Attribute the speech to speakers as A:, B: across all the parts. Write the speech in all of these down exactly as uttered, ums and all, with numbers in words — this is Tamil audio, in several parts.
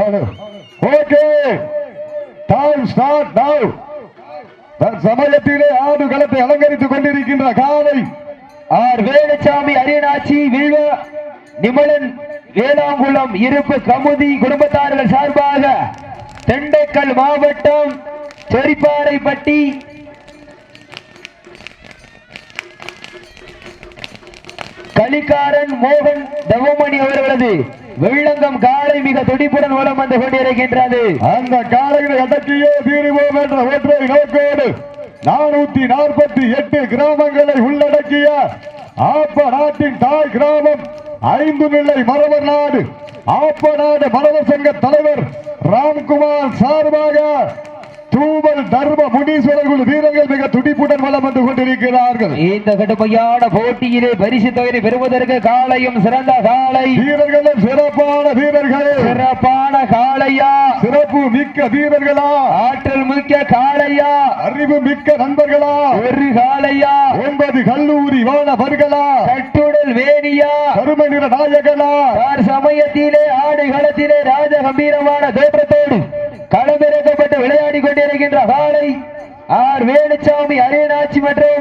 A: ஓகே டைம் ஸ்டார்ட் நவ. சமயத்திலே ஆடு களத்தை அலங்கரித்துக் கொண்டிருக்கின்ற காலை
B: ஆர் வேலுச்சாமி அரியநாச்சி வில்வ நிமலன் வேளாங்குளம் இருப்பு கமுதி குடும்பத்தார்கள் சார்பாக திண்டுக்கல் மாவட்டம் செரிப்பாறைப்பட்டி கலிக்காரன் மோகன் தவமணி அவர்களது வெள்ளங்கம் காலை மிக துடிப்புடன் மூலம் வந்து கொண்டிருக்கின்றது.
A: அந்த காலையில் அடக்கியே தீருவோம் என்ற ஒற்றை நோக்கோடு நானூத்தி நாற்பத்தி எட்டு கிராமங்களை உள்ளடக்கிய ஆப்ப நாட்டின் தாய் கிராமம் ஐந்து நிலை மரவர் நாடு ஆப்ப நாடு மரவர் சங்க தலைவர் ராம்குமார் சார்பாக தூவல் தர்ம முனீஸ்வரர் குழு வீரர்கள் மிக துடிப்புடன் வளம் வந்து கொண்டிருக்கிறார்கள்.
B: இந்த கடுமையான போட்டியிலே பரிசு தொகையை பெறுவதற்கு காலையும் சிறந்த காலை
A: வீரர்களும் சிறப்பான வீரர்கள்.
B: சிறப்பான காளையா,
A: சிறப்பு மிக்க வீரர்களா,
B: ஆற்றல் மிக்க காளையா,
A: அறிவு மிக்க நண்பர்களா,
B: ஒரு காளையா,
A: ஒன்பது கல்லூரி மாணவர்களா,
B: கட்டுடல் வேணியா,
A: கருமை நிற நாயகனா,
B: சமயத்திலே ஆடு களத்திலே ராஜ கம்பீரமான தோற்றத்தோடு களமிறக்கப்பட்டு விளையாடி கொண்டிருக்கின்ற காலை ஆர் வேலுச்சாமி அரியநாச்சி மற்றும்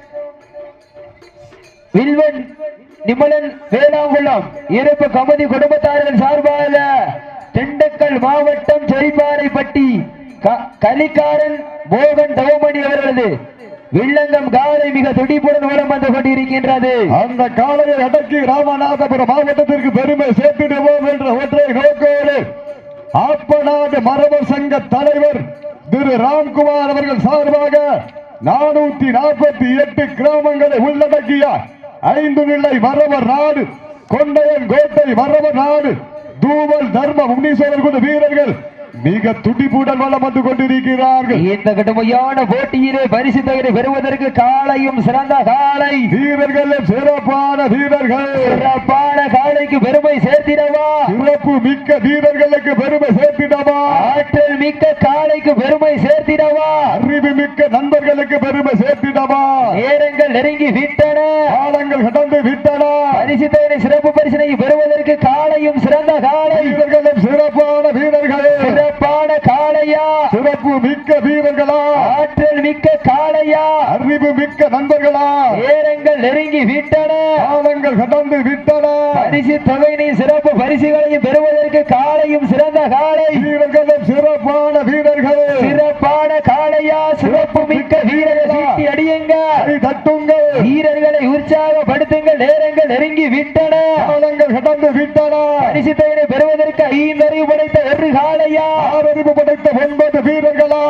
B: வில்வன் நிமலன் வேளாங்குளம் இருப்பு கமுதி குடும்பத்தார்கள் சார்பாக திண்டுக்கல் மாவட்டம் செரிப்பாறைப்பட்டி கலிக்காரன் மோகன் தவமணி அவர்களது வில்லங்கம் காலை மிக துடிப்புடன் மூலம் வந்து கொண்டிருக்கின்றது.
A: அந்த காலையை அடக்கி ராமநாதபுரம் மாவட்டத்திற்கு பெருமை சேர்த்திடுவோம் என்ற ஒற்றை நோக்கோடு ஆப்பநாடு மரபர் சங்க தலைவர் திரு ராம்குமார் அவர்கள் சார்பாக நானூத்தி நாற்பத்தி எட்டு கிராமங்களை உள்ளடக்கிய ஐந்து நிலை மரபர் நாடு கொண்டையன் கோட்டை மரபர் நாடு தூவல் தர்ம முனீஸ்வரர் குழு வீரர்கள் மிக துடிப்புடன் வளம் வந்து கொண்டிருக்கிறார்கள்.
B: இந்த கடுமையான போட்டியிலே பரிசு தொகை பெறுவதற்கு காலையும் சிறந்த காலை
A: வீரர்கள் சிறப்பான வீரர்கள்.
B: சிறப்பான காலைக்கு பெருமை சேர்த்திடவா,
A: சிறப்பு மிக்க வீரர்களுக்கு பெருமை சேர்த்திடவா,
B: ஆற்றல் மிக்க காலைக்கு பெருமை சேர்த்திடவா,
A: அறிவு மிக்க நண்பர்களுக்கு பெருமை சேர்த்திடவா.
B: நேரங்கள் நெருங்கி விட்டன,
A: காலங்கள் கடந்து விட்டன.
B: பரிசு தொகை சிறப்பு பரிசினை பெறுவதற்கு காலையும் சிறந்த காலை
A: வீரர்களும் சிறப்பான வீரர்கள்.
B: சிறப்பான காளையா,
A: சிறப்பு மிக்க வீரர்களா,
B: ஆற்றல் மிக்க காளையா,
A: அறிவு மிக்க நண்பர்களா,
B: நேரங்கள் நெருங்கி விட்டன,
A: காலங்கள் கடந்து விட்டன.
B: பரிசு தொகையினை சிறப்பு பரிசுகளையும் பெறுவதற்கு காலையும் சிறந்த காலை
A: வீரர்களும் சிறப்பான வீரர்கள்.
B: சிறப்பான காளையா, சிறப்பு மிக்க வீரர்கள் சீட்டி அடியுங்கள்,
A: தட்டுங்கள்,
B: வீரர்களை உற்சாகப்படுத்துங்கள். நேரங்கள் நெருங்கி விட்டன,
A: காலங்கள் கடந்து விட்டன.
B: பரிசு தொகையினை பெறுவதற்கு ஐந்தறிவு படைத்த ஒரு காளையா,
A: ஆறறிவு படைத்த ஒன்பது வீரர்களா,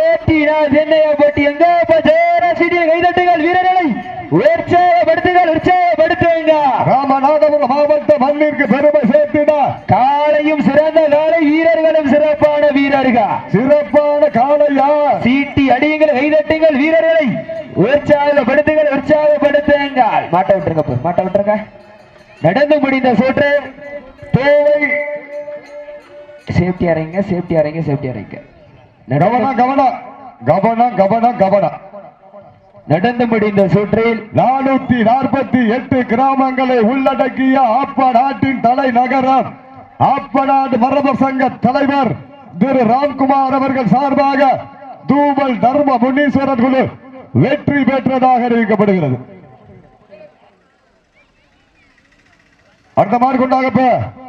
B: போட்டி எங்க கைதட்டுகள், வீரர்களை உற்சாகப்படுத்துங்கள், உற்சாகப்படுத்துங்க.
A: ராமநாதபுரம் மாவட்ட மண்ணிற்கு பெருமை சேர்த்திட
B: காலையும் சிறந்த காலை, வீரர்களும் சிறப்பான வீரர்கள்.
A: சிறப்பான காலையா,
B: சீட்டி அடியுங்கள், கைதட்டுங்கள், வீரர்களை உற்சாகப்படுத்துங்கள், உற்சாகப்படுத்துங்கள். மாட்ட விட்டுருங்க, மாட்ட விட்டுருங்க. நடந்து முடிந்த சோற்று தேவை சேஃப்டி அறைங்க, சேஃப்டி அறைங்க, சேஃப்டி அறைங்க.
A: கவனம் கவனம் கவனம் கவனம் கவனம்.
B: நடந்து முடிந்த சுற்றில்
A: நானூத்தி நாற்பத்தி எட்டு கிராமங்களை உள்ளடக்கிய ஆப்ப நாட்டின் தலைநகரம் ஆப்பநாடு மரபர் சங்க தலைவர் திரு ராம்குமார் அவர்கள் சார்பாக தூவல் தர்ம முனீஸ்வரர் குழு வெற்றி பெற்றதாக அறிவிக்கப்படுகிறது. அடுத்த மாடு கொண்டாங்க.